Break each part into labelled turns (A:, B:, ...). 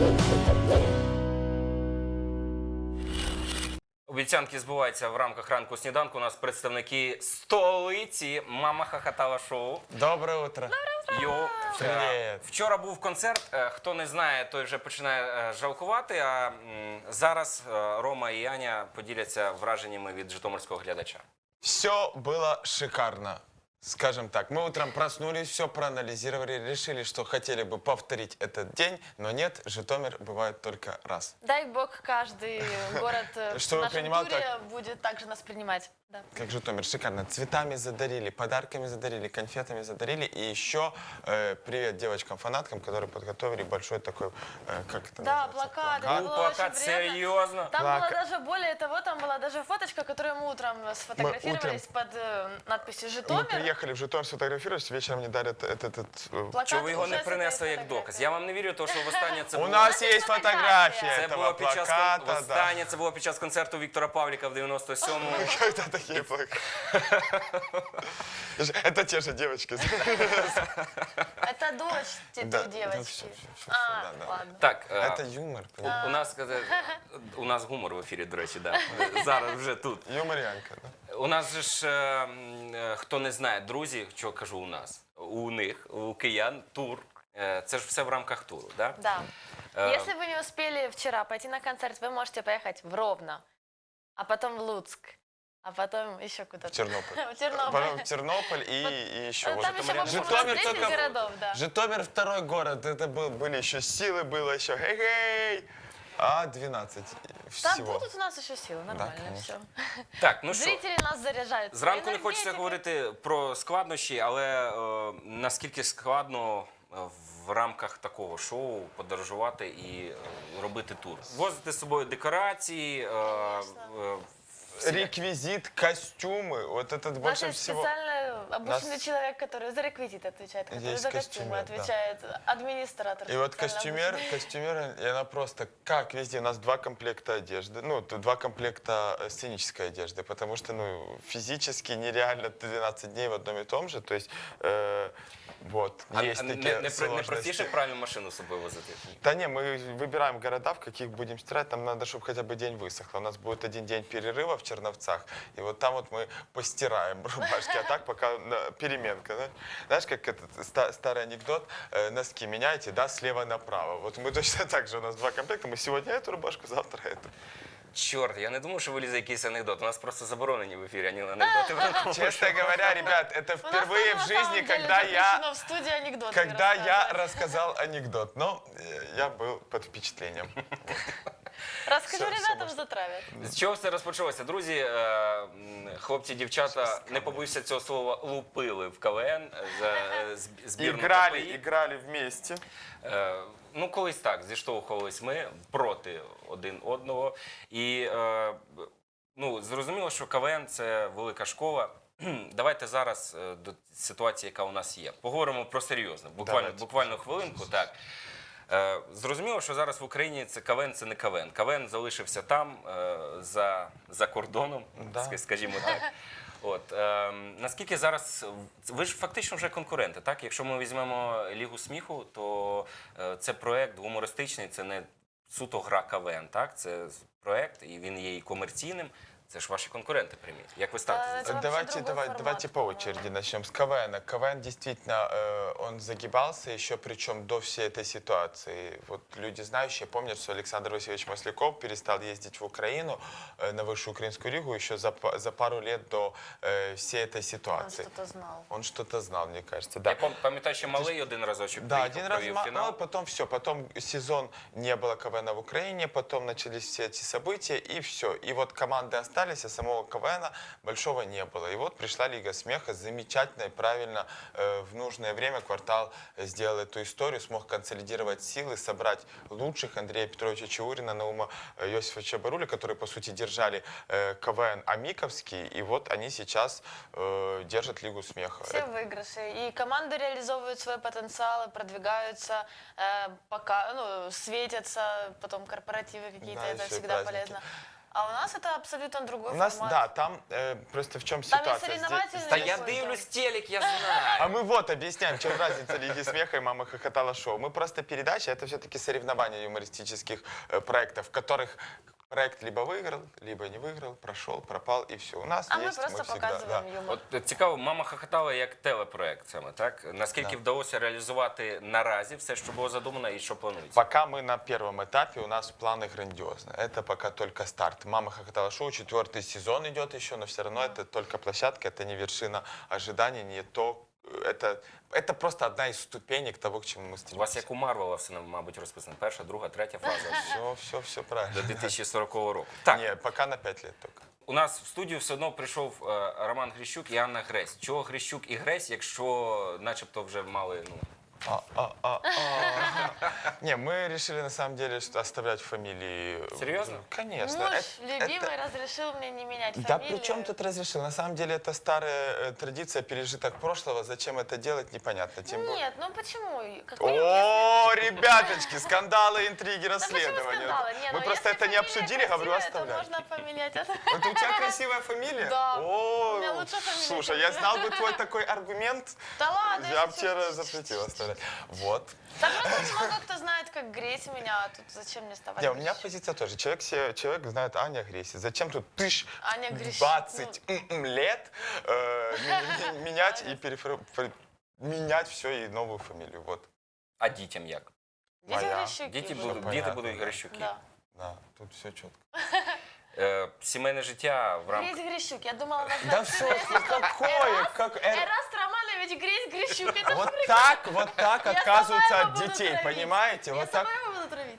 A: Обіцянки збуваються в рамках ранку сніданку. У нас представники столиці «Мама хохотала» шоу.
B: Доброе утро.
A: Йоу.
B: Привіт.
A: Вчора був концерт. Хто не знає, той вже починає жалкувати. А зараз Рома і Аня поділяться враженнями від житомирського глядача.
B: Все было шикарно. Скажем так, мы утром проснулись, все проанализировали, решили, что хотели бы повторить этот день, но нет, Житомир бывает только раз.
C: Дай бог, каждый город в
B: Чтобы
C: нашем
B: принимал
C: туре будет также нас принимать. Да.
B: Как Житомир, шикарно. Цветами задарили, подарками задарили, конфетами задарили. И еще привет девочкам-фанаткам, которые подготовили большой такой, как это
C: Да,
B: называется?
C: плакат.
B: Плакат.
C: Это было
A: Плакат,
C: очень приятно.
A: серьезно?
C: Там
B: Плакат.
C: была даже, более того, там была даже фоточка, которую мы утром сфотографировались под надписью
B: Мы
C: «Житомир».
B: приехали в Житомир сфотографировались, вечером мне дарят этот
C: Плакат
A: Чого ви його
C: уже
A: не
C: с этой
A: принесли як
C: фотографией.
A: доказ? Я вам не вірю, тому що востаннє це
B: У
A: було...
B: нас есть фотография
A: Це
B: этого
A: було під час,
B: плаката. Да.
A: востаннє це було під час концерту Віктора Павліка в 97-му.
B: Когда такие плакаты? Это те же девочки.
C: Это дочь той
B: Да,
C: девочки.
B: всё,
C: А,
B: да.
C: ладно.
A: Так,
B: Это юмор. понимаете?
A: у нас гумор в ефірі, до речі, да. Зараз вже тут.
B: Юморянка, да.
A: У нас же ж, хто не знає, друзі, що кажу у нас, у них, у киян, тур. Це ж все в рамках туру, да?
C: Да. Если вы не успели вчера пойти на концерт, вы можете поехать в Ровно, а потом в Луцк, а потом еще куда-то.
B: В Тернополь.
C: В Тернополь.
B: Потом в Тернополь и еще.
C: Ну,
B: Вот
C: там
B: это
C: еще,
A: Житомир
C: по-моему, у нас 10
B: только-
C: городов, да.
B: Житомир второй город. Это были еще силы, было еще хей-хей. А 12
C: Там
B: всего.
C: будут у нас еще силы, нормально
B: конечно.
C: все.
A: Так, ну що,
C: Зрители нас заряжают.
A: зранку не
C: своей
A: хочеться
C: энергетикой.
A: говорити про складнощі, але наскільки складно в рамках такого шоу подорожувати і робити тур. Возити з собою декорації,
B: Реквизит, костюмы. Вот этот
C: У нас
B: больше
C: есть
B: всего.
C: специально обученный
B: Нас-
C: человек, который за реквизит отвечает, который
B: Есть
C: за костюмы
B: костюмер, да.
C: отвечает, администратор.
B: И вот
C: специально
B: костюмер, и она просто, как везде, у нас 2 комплекта одежды, ну, 2 комплекта сценической одежды, потому что, ну, физически нереально 12 дней в одном и том же, то есть, вот, есть такие
A: не
B: сложности.
A: простіше правильну машину з собою возити?
B: Да не, мы выбираем города, в каких будем стирать, там надо, чтобы хотя бы день высохло. У нас будет 1 день перерыва в Черновцах, и вот там вот мы постираем рубашки, а так пока переменка. Да? Знаешь, как этот старый анекдот, носки меняете, да, слева направо. Вот мы точно так же, у нас 2 комплекта, мы сегодня эту рубашку, завтра эту.
A: Чорт, я не думав, що вилізе якийсь анекдот. У нас просто заборонені в ефірі анекдоти в ранковому шоу.
B: Честно говоря, ребят, это
C: У нас
B: впервые
C: тоже,
B: в
C: на самом
B: жизни,
C: деле,
B: когда я...
C: запрещено в студии анекдоты
B: Когда я
C: рассказывать.
B: рассказал анекдот, но я был под впечатлением.
C: Расскажу
B: всё
C: ребятам,
B: можно.
C: затравят.
A: З чого все розпочалося? Друзі, хлопці, дівчата, не побоюся цього слова, лупили в КВН за збірну КПІ.
B: Играли вместе.
A: Ну, колись так, зіштовхувались ми проти один одного. І ну, зрозуміло, що КВН – це велика школа. Давайте зараз до ситуації, яка у нас є. Поговоримо про серйозне. Буквально хвилинку, так. Зрозуміло, що зараз в Україні це КВН – це не КВН. КВН залишився там, за кордоном,
B: Да.
A: скажімо так. От, наскільки зараз, ви ж фактично вже конкуренти, так? Якщо ми візьмемо Лігу сміху, то це проект гумористичний, це не суто гра КВН, так? Це проект, і він є і комерційним. Це ж ваші конкуренти прямі. Як ви ставитесь до цього?
C: Это вообще
B: Давайте,
C: другой формат,
B: давайте по
C: по-моему.
B: очереди начнем с КВН. КВН действительно, он загибался еще, причем до всей этой ситуации. Вот люди знающие помнят, что Александр Васильевич Масляков перестал ездить в Украину, на Высшую Украинскую лигу, еще за пару лет до всей этой
C: Он
B: ситуации.
C: что-то знал.
B: Он что-то знал, мне кажется. Да.
A: Я пам'ятаю, що малий один разочок
B: Да,
A: приїхав,
B: один раз,
A: провів
B: ну,
A: фінал.
B: потом все, потом сезон не было КВН в Украине, потом начались все эти события, и все. И вот команды остались, а самого КВН большого не было. И вот пришла Лига смеха, замечательно и правильно в нужное время Квартал сделал эту историю, смог консолидировать силы, собрать лучших Андрея Петровича Чаурина, Наума Иосифовича Баруля, которые, по сути, держали КВН Амиковский, и вот они сейчас держат Лигу смеха.
C: Все выигрыши. И команды реализовывают свой потенциал, продвигаются, пока, ну, светятся, потом корпоративы какие-то,
B: Да,
C: это
B: еще и
C: всегда
B: праздники.
C: полезно. А у нас это абсолютно другой
B: У нас,
C: формат.
B: да, там просто в чем
C: Там есть
B: ситуация.
C: соревновательный
A: Та я
C: такой,
A: дивлюсь
C: да.
A: телек, я
B: А
A: знаю.
B: мы вот объясняем, в чем разница Лиги смеха и «Мама хохотала» шоу. Мы просто передача, это все-таки соревнования юмористических проектов, в которых проект либо выиграл, либо не выиграл, прошел, пропал и все. У нас
C: А мы
B: есть,
C: просто
B: всегда,
C: показываем
B: да.
C: юмор.
A: От цікаво, мама хохотала як телепроект саме, так? Наскільки
B: Да.
A: вдалося реалізувати наразі все, що було задумано і що планується?
B: Пока мы на первом этапе, у нас планы грандиозные. Это пока только старт. «Мама хохотала» шоу, 4-й сезон идет еще, но все равно это только площадка, это не вершина ожиданий, не то. Это просто одна из ступенек того, к чему мы
A: У вас
B: стремимся.
A: як у Марвела все, мабуть, розписано. Перша, друга, третя фаза
B: Все правильно.
A: до 2040 року. Так,
B: Не, пока на 5 лет только.
A: у нас в студію все одно прийшов Роман Грищук і Анна Гресь. Чого Грищук і Гресь, якщо начебто вже мали, ну...
B: Не, мы решили на самом деле что оставлять фамилии.
A: Серьезно?
B: Конечно.
C: Муж
B: Это-
C: любимый разрешил мне не менять
B: Да
C: фамилию.
B: при чем тут разрешил? На самом деле это старая традиция, пережиток прошлого. Зачем это делать, непонятно. Тем более.
C: Нет, ну почему? Какой
B: О, ребяточки, скандалы, интриги,
C: Да почему
B: расследования.
C: скандалы? Не,
B: Мы
C: ну
B: просто
C: если
B: это не
C: фамилия
B: обсудили, говорю,
C: красивая,
B: оставляем.
C: то можно поменять.
B: Вот у тебя красивая фамилия?
C: Да.
B: О,
C: У меня лучшая фамилия,
B: слушай,
C: чем
B: я
C: у тебя.
B: знал бы твой такой аргумент.
C: Да ладно,
B: Я
C: я
B: бы
C: шучу.
B: тебе запретил оставлять. Вот.
C: Так просто очень много кто знает, как греть меня, а тут зачем мне вставать?
B: Не, у меня позиция тоже. Человек знает Аня Агрессия. Зачем тут
C: Аня Грищук,
B: 20 лет менять и менять все и новую фамилию. Вот.
A: А дітям як?
C: Дети
B: Моя.
C: Грищуки
A: Діти
C: будут.
A: будуть,
B: понятно,
A: діти будуть
B: да.
A: Грищуки.
C: Да.
B: Да, тут все четко.
A: Сімейне життя в рамках...
C: Греть Грищук, я думала, назвать
B: Да все,
C: себя
B: какое?
C: Эраст Романович Греть Грищук. Это
B: Вот так
C: Я
B: отказываются
C: сама его
B: от
C: буду
B: детей,
C: травить.
B: понимаете?
C: Я
B: Вот
C: сама
B: так.
C: его буду травить.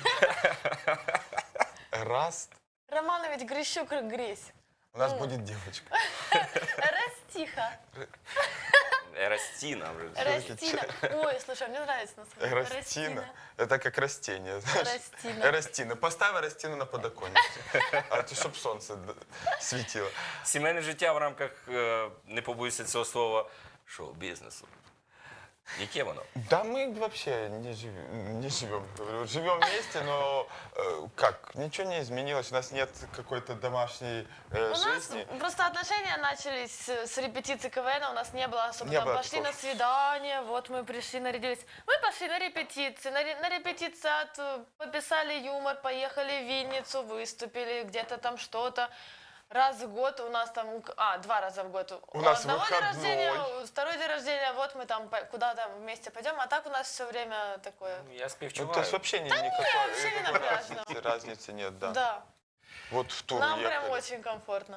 B: Раз.
C: Романович Грищук Гресь.
B: У нас будет девочка.
C: Растиха.
A: Растіна вже.
C: Растина. Ой, слушай, мне нравится название.
B: Растина. Это как растение, знаешь.
C: Растина.
B: Растина. Поставь растину на подоконнике. А то, чтобы солнце светило.
A: Сімейне життя в рамках, не побоюся цього слова, шоу-бізнесу. Яке воно?
B: Да мы вообще не живем. Говорю, живем вместе, но как? Ничего не изменилось. У нас нет какой-то домашней
C: У нас
B: жизни.
C: просто отношения начались с репетиции КВН, у нас не было особо,
B: Не
C: там
B: было
C: пошли
B: такого.
C: на свидание, вот мы пришли, нарядились. Мы пошли на репетиции, на репетициат, пописали юмор, поехали в Винницу, выступили, где-то там что-то. Раз в год у нас там, 2 раза в год.
B: У нас
C: одного день
B: выходной.
C: рождения, второй день рождения, вот мы там куда-то вместе пойдем, а так у нас все время такое.
A: Я
B: Ну,
A: співчуваю.
B: то есть вообще никакой,
C: вообще не
B: никакой
C: напряжно.
B: разницы нет, да.
C: Да,
B: Вот в тур
C: нам
B: уехали.
C: прям очень комфортно.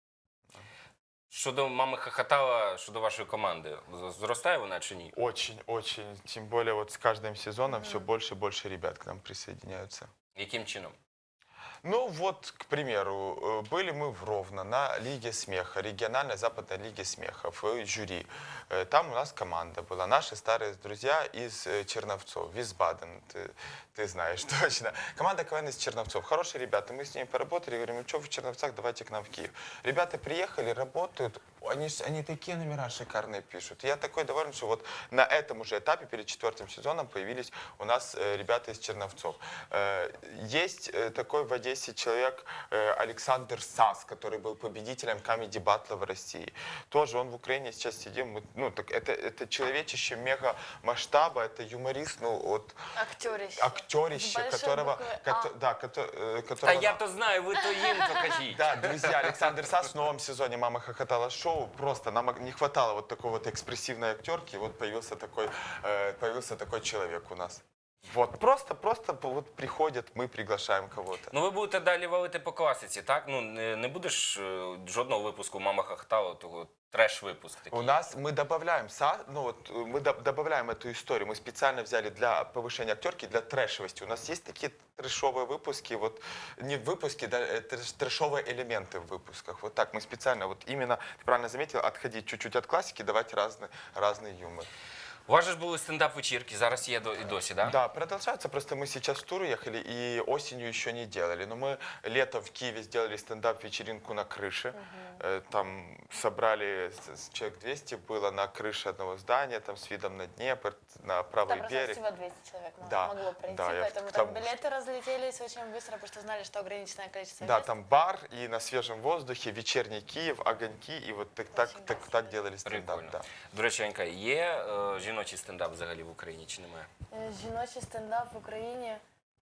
A: Щодо мами хохотала, щодо вашої команди, зростає вона чи ні?
B: Очень, очень. Тем более вот с каждым сезоном все больше и больше ребят к нам присоединяются.
A: Яким чином?
B: Ну вот, к примеру, были мы в Ровно на Лиге смеха, региональной западной Лиге смеха, в жюри. Там у нас команда была, наши старые друзья из Черновцов, Висбаден, ты знаешь точно. Команда КВН из Черновцов, хорошие ребята, мы с ними поработали, говорим, ну что в Черновцах, давайте к нам в Киев. Ребята приехали, работают, они такие номера шикарные пишут. Я такой доволен, что вот на этом уже этапе, перед 4-м сезоном, появились у нас ребята из Черновцов. Есть такой в Одессе человек Александр Сас, который был победителем Comedy Battle в России. Тоже он в Украине сейчас сидим. Ну, так это человечище мега масштаба, это юморист, ну, вот
C: Актерище.
B: актерище,
C: С большой
B: которого,
C: буквы «А».
B: да,
A: Та
B: которого
A: я то знаю, ви то їм то кажіть.
B: да, друзья, Александр Сас в новом сезоне «Мама хохотала» шоу. Просто нам не хватало вот такой вот экспрессивной актерки, и вот появился такой человек у нас. Вот, просто вот приходят, мы приглашаем кого-то.
A: Ну ви будете далі валити по класиці, так? Ну не будеш жодного випуску «Мама хохотала», того треш-випуск такий.
B: У нас мы добавляем, добавляем эту историю. Мы специально взяли для повышения актерки, для трэшевости. У нас есть такие трэшовые выпуски, вот не выпуски, да, трэшовые элементы в выпусках. Вот так мы специально, вот именно, ты правильно заметил, отходить чуть-чуть от классики, давать разный юмор.
A: У вас же ж були стендап-вечірки, зараз є і досі, да?
B: Да, продолжается. Просто мы сейчас в тур уехали и осенью еще не делали. Но мы летом в Киеве сделали стендап-вечеринку на крыше. Там собрали человек 200 было на крыше одного здания, там с видом на Днепр, на правый
C: Там просто
B: берег.
C: всего 200 человек
B: Да,
C: могло пройти,
B: да, я
C: поэтому
B: к
C: там
B: тому,
C: билеты разлетелись очень быстро, потому что знали, что ограниченное количество
B: Да,
C: мест.
B: там бар и на свежем воздухе, вечерний Киев, огоньки, и вот так делали стендап.
A: Прикольно.
B: Да.
A: До речі, Анька, є жіночий стендап взагалі в Україні чи немає?
C: Жіночий стендап в Украине.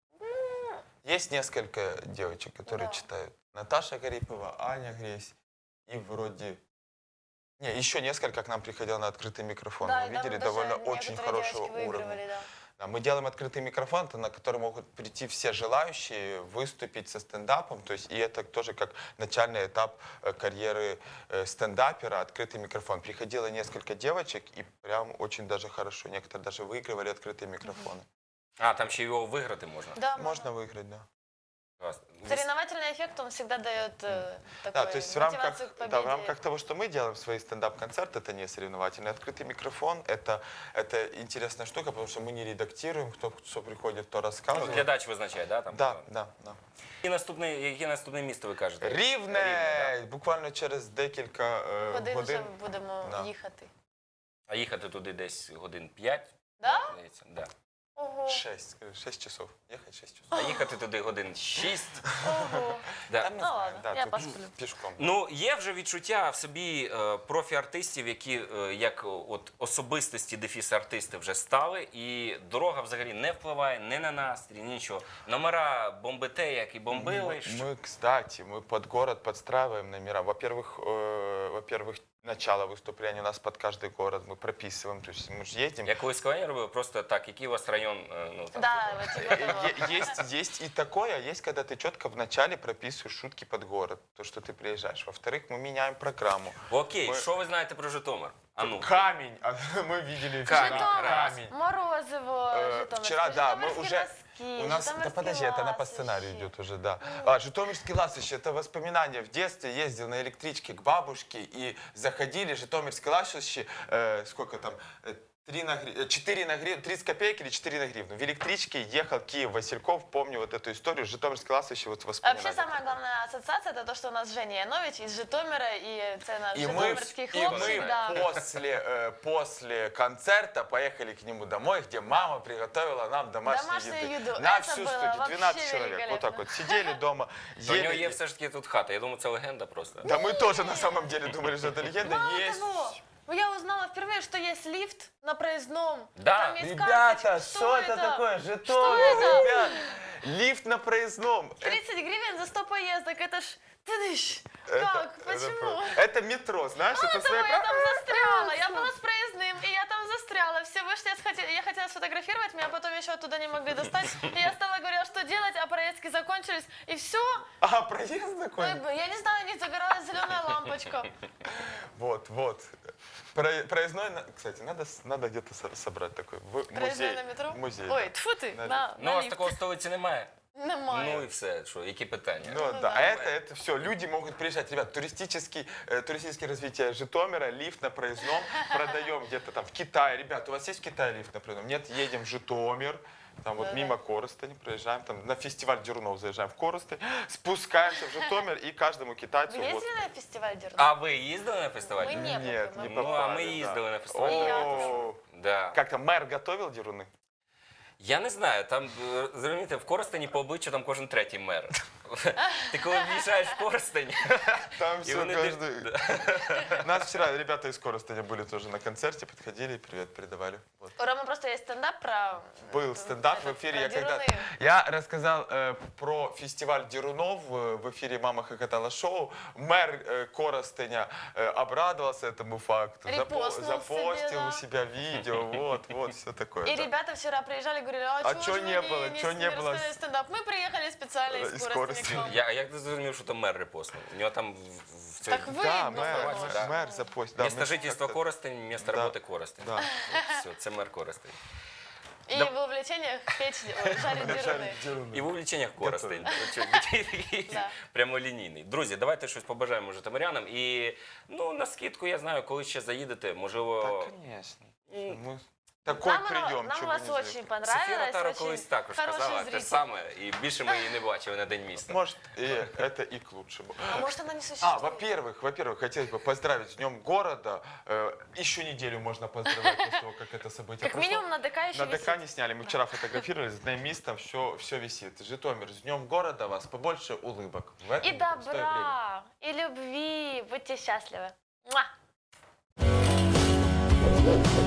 B: Есть несколько девочек, которые
C: Да.
B: читают. Наташа Гарипова, Аня Гресь и вроде... Не, еще несколько к нам приходило на открытый микрофон.
C: Да,
B: Мы
C: и там
B: видели
C: даже
B: довольно
C: некоторые
B: очень
C: девочки
B: хорошего
C: выигрывали,
B: уровня.
C: да.
B: Да, мы делаем открытый микрофон, на который могут прийти все желающие выступить со стендапом. То есть, и это тоже как начальный этап карьеры стендапера, открытый микрофон. Приходило несколько девочек, и прям очень даже хорошо. Некоторые даже выигрывали открытые микрофоны.
A: А, там ще його виграти можна?
C: Да,
B: Можно выиграть, да.
A: Клас.
C: Соревновательный эффект, он всегда дает
B: Да,
C: такой
B: то есть
C: мотивацию к победе.
B: в рамках того, что мы делаем свои стендап-концерты, это не соревновательный. Открытый микрофон это интересная штука, потому что мы не редактируем, кто что приходит, кто
A: Ну,
B: рассказывает.
A: глядач визначає, да? Там,
B: Да, да.
A: Яке наступне місто ви кажете?
B: Рівне! Буквально через декілька
C: Куди вже
B: годин.
C: будемо
B: Да.
C: їхати?
A: А їхати туди десь годин 5?
C: Да?
A: Здається, да.
C: Ого,
B: 6 часов. Ехать 6 часов.
A: А їхати туди годин 6.
C: ого.
A: Да.
B: Там не
C: Ну
B: знаю,
C: ладно, я
B: тут
C: посплю.
B: Пішком.
A: Ну, є вже відчуття в собі профі-артистів, які як от особистості дефіс-артисти вже стали, і дорога взагалі не впливає ні на настрій, ні нічого. Номера бомбите, як і бомбили.
B: Кстати, мы под город подстраиваем номера. Во-первых, начало выступления у нас под каждый город мы прописываем. То есть мы же едем.
A: Я колись коли робив, просто так, який у вас район, ну, там,
C: Да, вот типа того.
B: Есть и такое, а есть, когда ты четко в начале прописываешь шутки под город, то, что ты приезжаешь. Во-вторых, мы меняем программу.
A: Окей,
B: Ми-
A: що ви знаєте про Житомир? А ну.
B: Камень, мы видели
A: Камень,
B: вчера.
A: раз.
B: Камень.
C: Морозиво, Житомирский,
B: Вчера, да, мы
C: Житомирские
B: уже...
C: носки,
B: У нас, да
C: Житомирские
B: подожди, это на по
C: ласощи.
B: сценарию идет уже, да. А, Житомирский ласощи, это воспоминания. В детстве ездил на электричке к бабушке и заходили, Житомирский ласощи, сколько там, 4 на гривну, 30 копеек или 4 на гривну. В электричке ехал Киев-Васильков, помню вот эту историю, Житомирский ласощи, вот воспоминания.
C: Вообще самая главная ассоциация это то, что у нас Женя Янович из Житомира, и это наш
B: И мы,
C: житомирский хлопчик, да.
B: после концерта поехали к нему домой, где мама приготовила нам
C: Домашнюю еду.
B: На
C: Это
B: всю
C: было
B: студию,
C: вообще
B: 12 человек. Вот
C: великолепно.
B: так вот сидели дома,
A: У нього
B: ели.
A: є все ж таки тут хата. Я думаю, це легенда просто.
B: Да мы тоже на самом деле думали, что это легенда.
C: Мало
B: Есть.
C: того, я узнала впервые, что есть лифт на проездном.
A: Да.
C: Там есть
B: Ребята,
C: карточка.
B: что это такое?
C: Что
B: Житомир,
C: это?
B: ребят. Лифт на проездном.
C: 30 гривен за 100 поездок, это ж... Тыдыщ.
B: Это-
C: Как? Почему?
B: Это метро, знаешь, это
C: Мало того,
B: своя
C: я там застряла. Я была с проездным, и я там застряла. Все вышли, я хотела сфотографировать, меня потом еще оттуда не могли достать. И я стала говорила, что делать, а проездки закончились. И все.
B: А, проезд такой?
C: Я не знаю, у них загоралась зеленая лампочка.
B: Вот. Проездной, кстати, надо где-то собрать такой.
C: Проездной
B: Музей.
C: на метро?
B: Музей.
C: Ой, тьфу ты,
B: На
C: на
A: Ну, у вас
C: лифт.
A: такого в столиці немає.
C: Немає.
A: Ну і все, що, які питання?
B: Ну да,
C: да.
B: а это все, люди могут приезжать. Ребят, туристическое развитие Житомира, лифт на проездном, продаем где-то там в Китае. Ребят, у вас есть в Китае лифт на проездном? Нет, едем в Житомир, там вот
C: Да-да.
B: мимо Коростени проезжаем, там на фестиваль Дерунов заезжаем в Коростень, спускаемся в Житомир и каждому китайцу
C: Вы
B: вот.
C: ездили на фестиваль Дерна?
A: А ви їздили на фестиваль?
C: Ми ні.
B: Нет, не
C: Ну,
A: а
B: попали.
A: мы
B: да.
A: ездили на фестиваль.
C: И я
B: О,
A: Да.
B: Как там, мэр готовил Деруны?
A: Я не знаю, там, зрозумієте, в Коростені по обличчю там кожен третій мер. Ти коли в'їжджаєш в Коростень,
B: Там
A: і
B: все,
A: вони
B: каждый... Нас вчера ребята из Коростеня были тоже на концерте, подходили и привет передавали. Вот.
C: У Ромы просто есть стендап про...
B: Был стендап в
C: этот,
B: эфире.
C: про
B: Я, когда...
C: Деруны.
B: я рассказал про фестиваль Дерунов в эфире «Мама хохотала» шоу. Мэр Коростеня обрадовался этому факту.
C: Репостнул
B: Запостил
C: себе, да.
B: у себя видео. Вот, все такое.
C: И
B: да.
C: ребята вчера приезжали, говорили,
B: А
C: чё
B: чё
C: ж
B: не
C: вы
B: было? Чё не было?
C: рассказали стендап? Мы приехали специально из
B: Из
C: Коростеня к
B: Коростеня.
C: вам.
A: а як ти зрозумів, що то мер репостнув? У нього там в цій...
C: Так вы...
B: Да,
C: ну,
B: мэр запостил. Да,
A: Місто
B: мы
A: жительства
B: как-то-
A: Коростень, місто
B: Да.
A: роботи Коростень.
B: Да.
A: Все, це мер Коростень.
C: И
A: Да.
C: в увлечениях печь, жарить деруны.
A: І в увліченнях Коростень.
C: Да.
A: Прямолінійний. Друзі, давайте щось побажаємо житомирянам. І, ну, на скидку, я знаю, коли ще заїдете, можливо...
B: Да, конечно. Мы Такой
C: Нам,
B: прием,
C: нам
B: чего
C: вас
B: бы не
C: очень
B: заехать.
C: понравилось.
A: Софія Ротару
C: очень
A: колись також
C: хороший
A: казала те
C: зритель.
A: ж саме, і більше ми її не бачили на День міста.
B: Может, и это и к лучшему.
C: А может она не существует?
B: Во-первых, хотелось бы поздравить с Днем города. Еще неделю можно поздравлять после того, как это событие
C: Как
B: прошло.
C: минимум на ДК еще
B: На ДК
C: висит.
B: не сняли, мы вчера фотографировались, с Днемистом все висит. Житомир, с Днем города вас, побольше улыбок. В это
C: И
B: непростое время.
C: добра, и любви. Будьте счастливы. Муа!